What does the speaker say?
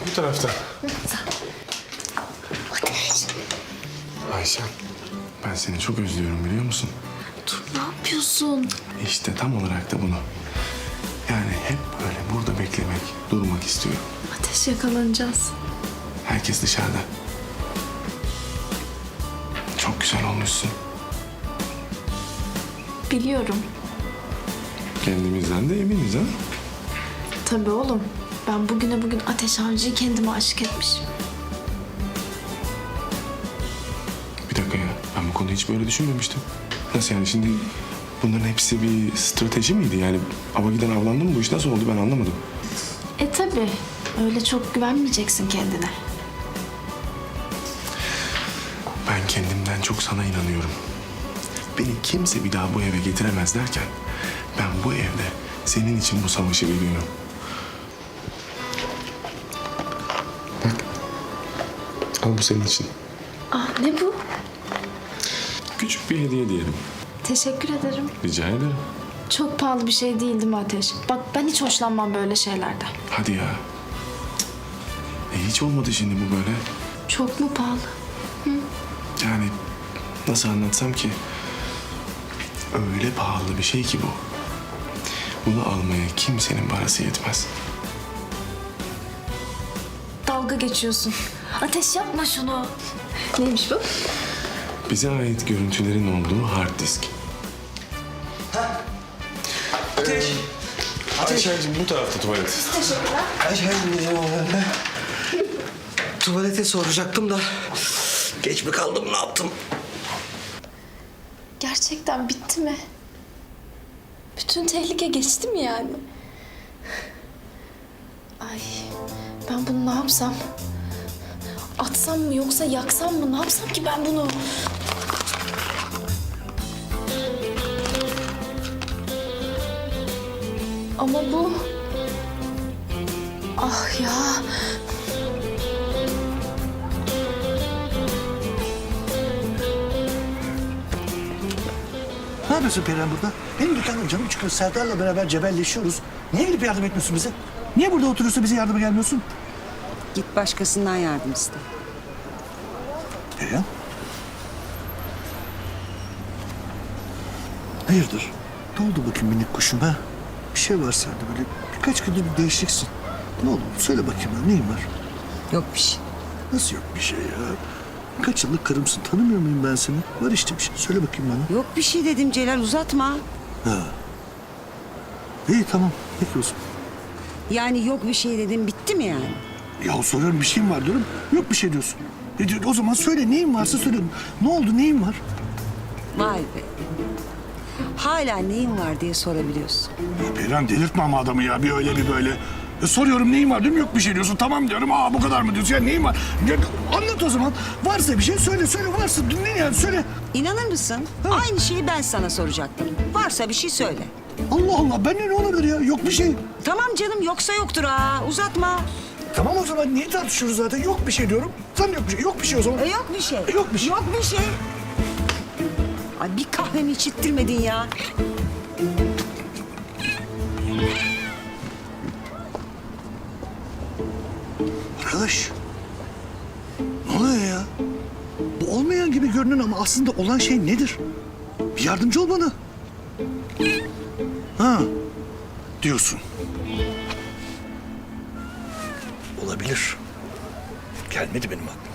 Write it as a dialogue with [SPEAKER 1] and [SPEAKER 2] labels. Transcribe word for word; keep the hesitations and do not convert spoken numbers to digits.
[SPEAKER 1] Bu taraftan.
[SPEAKER 2] Ateş.
[SPEAKER 1] Ayşen, ben seni çok özlüyorum biliyor musun?
[SPEAKER 2] Dur, ne yapıyorsun?
[SPEAKER 1] İşte tam olarak da bunu. Yani hep böyle burada beklemek, durmak istiyorum.
[SPEAKER 2] Ateş, yakalanacağız.
[SPEAKER 1] Herkes dışarıda. Çok güzel olmuşsun.
[SPEAKER 2] Biliyorum.
[SPEAKER 1] Kendimizden de eminiz ha?
[SPEAKER 2] Tabii oğlum. Ben bugüne bugün Ateş Avcı'yı kendime aşık etmişim.
[SPEAKER 1] Bir dakika ya, ben bu konuyu hiç böyle düşünmemiştim. Nasıl yani şimdi bunların hepsi bir strateji miydi? Yani ava giden avlandı mı? Bu iş nasıl oldu ben anlamadım.
[SPEAKER 2] E tabii. Öyle çok güvenmeyeceksin kendine.
[SPEAKER 1] Ben kendimden çok sana inanıyorum. Beni kimse bir daha bu eve getiremez derken ben bu evde senin için bu savaşı veriyorum. Bak. Al bu senin için.
[SPEAKER 2] Ah, ne bu?
[SPEAKER 1] Küçük bir hediye diyelim.
[SPEAKER 2] Teşekkür ederim.
[SPEAKER 1] Rica ederim.
[SPEAKER 2] Çok pahalı bir şey değil değil mi Ateş? Bak, ben hiç hoşlanmam böyle şeylerden.
[SPEAKER 1] Hadi ya. E hiç olmadı şimdi bu böyle.
[SPEAKER 2] Çok mu pahalı?
[SPEAKER 1] Yani nasıl anlatsam ki? Öyle pahalı bir şey ki bu. Bunu almaya kimsenin parası yetmez.
[SPEAKER 2] Dalga geçiyorsun. Ateş, yapma şunu. Neymiş bu?
[SPEAKER 1] Bize ait görüntülerin olduğu hard disk.
[SPEAKER 3] Ateş. Ateş.
[SPEAKER 1] Ayşen'cim bu tarafta tuvalet.
[SPEAKER 3] Ayşe, tuvalete soracaktım da geç mi kaldım, ne yaptım?
[SPEAKER 2] Gerçekten bitti mi? Bütün tehlike geçti mi yani? Ay, ben bunu ne yapsam? Atsam mı yoksa yaksam mı? Ne yapsam ki ben bunu? Ama bu... Ah ya...
[SPEAKER 4] Ne yapıyorsun Perihan burada? Benim dükkanım canım çıkıyor. Serdar'la beraber cebelleşiyoruz. Niye gidip yardım etmiyorsun bize? Niye burada oturuyorsun bize yardıma gelmiyorsun?
[SPEAKER 5] Git başkasından yardım iste.
[SPEAKER 4] Perihan? Hayırdır? Ne oldu bakayım minik kuşum ha? Bir şey var sende böyle birkaç günde bir değişiksin. Ne oldu? Söyle bakayım ya, neyin var?
[SPEAKER 5] Yok bir şey.
[SPEAKER 4] Nasıl yok bir şey ya? Kaç yıllık karımsın, tanımıyor muyum ben seni? Var işte bir şey, söyle bakayım bana.
[SPEAKER 5] Yok bir şey dedim Celal, uzatma.
[SPEAKER 4] Ha. İyi tamam, peki o zaman.
[SPEAKER 5] Yani yok bir şey dedim, bitti mi yani?
[SPEAKER 4] Ya soruyorum, bir şeyim var diyorum. Yok bir şey diyorsun. E, diyor, o zaman söyle, neyin varsa söyle. Ne oldu, neyin var?
[SPEAKER 5] Vay be. Hala neyin var diye sorabiliyorsun.
[SPEAKER 4] Ya Perihan, delirtme ama adamı ya, bir öyle bir böyle. E, soruyorum neyin var diyorum, yok bir şey diyorsun. Tamam diyorum, aa bu kadar mı diyorsun? Ya neyin var? Ya, anlat o zaman. Varsa bir şey söyle, söyle varsa. Ne yani, söyle.
[SPEAKER 5] İnanır mısın?
[SPEAKER 4] Ha.
[SPEAKER 5] Aynı şeyi ben sana soracaktım. Varsa bir şey söyle.
[SPEAKER 4] Allah Allah, ben ne olabilir ya? Yok bir şey.
[SPEAKER 5] Tamam canım, yoksa yoktur ha. Uzatma.
[SPEAKER 4] Tamam o zaman, niye tartışıyoruz zaten? Yok bir şey diyorum. Sen yok bir şey. Yok bir şey o zaman.
[SPEAKER 5] E, yok bir şey.
[SPEAKER 4] E, yok bir şey.
[SPEAKER 5] Yok bir şey. Ay bir kahvemi içittirmedin ya.
[SPEAKER 4] Arkadaş. Ne oluyor ya? Bu olmayan gibi görünün ama aslında olan şey nedir? Bir yardımcı ol bana. Ha. Diyorsun. Olabilir. Gelmedi benim aklıma.